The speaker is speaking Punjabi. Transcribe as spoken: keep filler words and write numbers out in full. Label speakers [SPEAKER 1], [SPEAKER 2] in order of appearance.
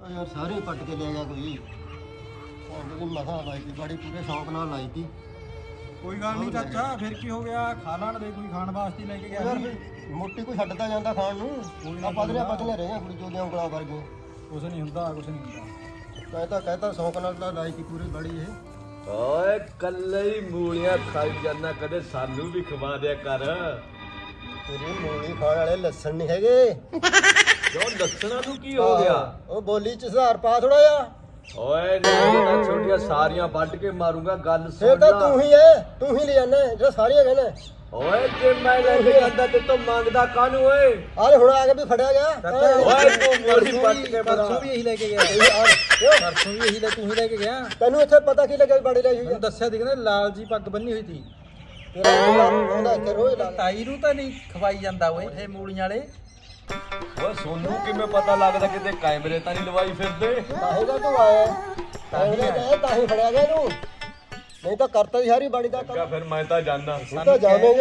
[SPEAKER 1] ਯਾਰ ਸਾਰੇ ਪੱਟ ਕੇ ਲੈ ਗਿਆ ਕੋਈ ਉਹਦੀ ਮਸਾ ਲਾਈ ਤੀ ਬੜੀ ਪੂਰੇ ਸ਼ੌਂਕ ਨਾਲ ਲਾਈ ਤੀ।
[SPEAKER 2] ਕੋਈ ਗੱਲ ਨਹੀਂ ਚਾਚਾ, ਫਿਰ ਕੀ ਹੋ ਗਿਆ, ਖਾ ਲੈਣ ਦੇ, ਕੋਈ ਖਾਣ ਵਾਸਤੇ ਲੈ ਕੇ ਗਿਆ
[SPEAKER 1] ਯਾਰ
[SPEAKER 2] ਸੀ।
[SPEAKER 1] ਫਿਰ ਮੋਟੀ ਕੋਈ ਛੱਡਦਾ ਜਾਂਦਾ ਖਾਣ ਨੂੰ। ਆ ਪਤਲੇ ਪਤਲੇ ਰਹੇ ਆ ਕੁੜੀ ਜੋਗਿਆਂ ਉਂਗਲਾਂ ਵਰਗੇ।
[SPEAKER 2] ਕੁਛ ਨਹੀਂ ਹੁੰਦਾ, ਕੁਛ ਨਹੀਂ ਹੁੰਦਾ।
[SPEAKER 1] ਕਹਿਤਾ ਕਹਿਤਾ ਸ਼ੌਂਕ ਨਾਲ ਤਾਂ ਲਾਈ ਤੀ ਪੂਰੀ ਬੜੀ ਇਹ।
[SPEAKER 3] ਓਏ ਕੱਲੇ ਹੀ ਮੂਲੀਆਂ ਖਾਈ ਜਾਂਦਾ, ਕਦੇ ਸਾਨੂੰ ਵੀ ਖਵਾ ਦਿਆ ਕਰ।
[SPEAKER 1] ਤੇਰੀ ਮੂਲੀ ਖਾਣ ਵਾਲੇ ਲੱਸਣ ਨਹੀਂ ਹੈਗੇ।
[SPEAKER 3] ਕਿਉਂ ਲੱਛਣਾ ਨੂੰ ਕੀ ਹੋ ਗਿਆ?
[SPEAKER 1] ਉਹ ਬੋਲੀ ਚ ਸੁਧਾਰ ਪਾ ਥੋੜਾ ਜਿਹਾ।
[SPEAKER 3] ਓਏ ਨਾ ਛੋਟੀਆਂ ਸਾਰੀਆਂ ਵੱਢ ਕੇ ਮਾਰੂੰਗਾ, ਗੱਲ
[SPEAKER 1] ਫੇਰ
[SPEAKER 3] ਸੁਣ
[SPEAKER 1] ਤਾਂ
[SPEAKER 3] ਲਾ।
[SPEAKER 1] ਤੂੰ ਹੀ ਐ, ਤੂੰ ਹੀ ਲੈ ਜਾਣਾ ਜਿਹੜਾ ਸਾਰੀਆਂ ਕਹਿੰਦਾ।
[SPEAKER 3] ਓਏ ਜੇ ਮੈਂ ਲੈ ਕੇ ਜਾਂਦਾ ਤੇ ਤੂੰ ਮੰਗਦਾ ਕਾਹਨੂੰ ਓਏ?
[SPEAKER 1] ਆਲੇ ਹੁਣ ਆ ਕੇ ਵੀ ਫੜਿਆ ਗਿਆ।
[SPEAKER 3] ਓਏ ਤੂੰ ਮੋੜੀ ਪੱਟ ਕੇ ਬੜਾ।
[SPEAKER 2] ਪਰਸੋਂ ਵੀ ਇਹੀ ਲੈ ਕੇ ਗਿਆ, ਪਰਸੋਂ ਵੀ ਇਹੀ ਲੈ ਤੂੰ ਹੀ ਲੈ ਕੇ ਗਿਆ।
[SPEAKER 1] ਤੈਨੂੰ ਇੱਥੇ ਪਤਾ ਕੀ ਲੱਗਿਆ ਵੀ ਬੜੀ ਲਈ ਹੋਈ ਆ?
[SPEAKER 2] ਮੈਨੂੰ ਦੱਸਿਆ ਸੀ ਕਹਿੰਦੇ ਲਾਲ ਜੀ ਪੱਗ ਬੰਨੀ ਹੋਈ ਸੀ।
[SPEAKER 1] ਤੇਰਾ ਆਉਂਦਾ ਇੱਥੇ ਰੋਜ਼ ਲਾ।
[SPEAKER 2] ਤਾਈ ਨੂੰ ਤਾਂ ਨਹੀਂ ਖਵਾਈ ਜਾਂਦਾ ਓਏ ਇਹ ਮੂਲੀਆਂ ਵਾਲੇ।
[SPEAKER 3] ਓਏ ਸੋਨੂੰ ਕਿਵੇਂ ਪਤਾ ਲੱਗਦਾ ਕਿਤੇ ਕੈਮਰੇ ਤਾਂ ਨਹੀਂ ਲਵਾਈ ਫਿਰਦੇ?
[SPEAKER 1] ਤਾਂ ਹੀ ਤਾਂ ਤੂੰ ਆਇਆ ਤਾਂ ਹੀ ਤਾਂ ਹੀ ਫੜਿਆ ਗਿਆ ਇਹਨੂੰ, ਨਹੀਂ ਤਾਂ ਕਰਤਾ ਹੀ ਸਾਰੀ ਬਾੜੀ ਦਾ ਕੰਮ।
[SPEAKER 3] ਫਿਰ ਮੈਂ ਤਾਂ ਜਾਣਾ।
[SPEAKER 1] ਤੂੰ ਤਾਂ ਜਾਵੇਂਗਾ।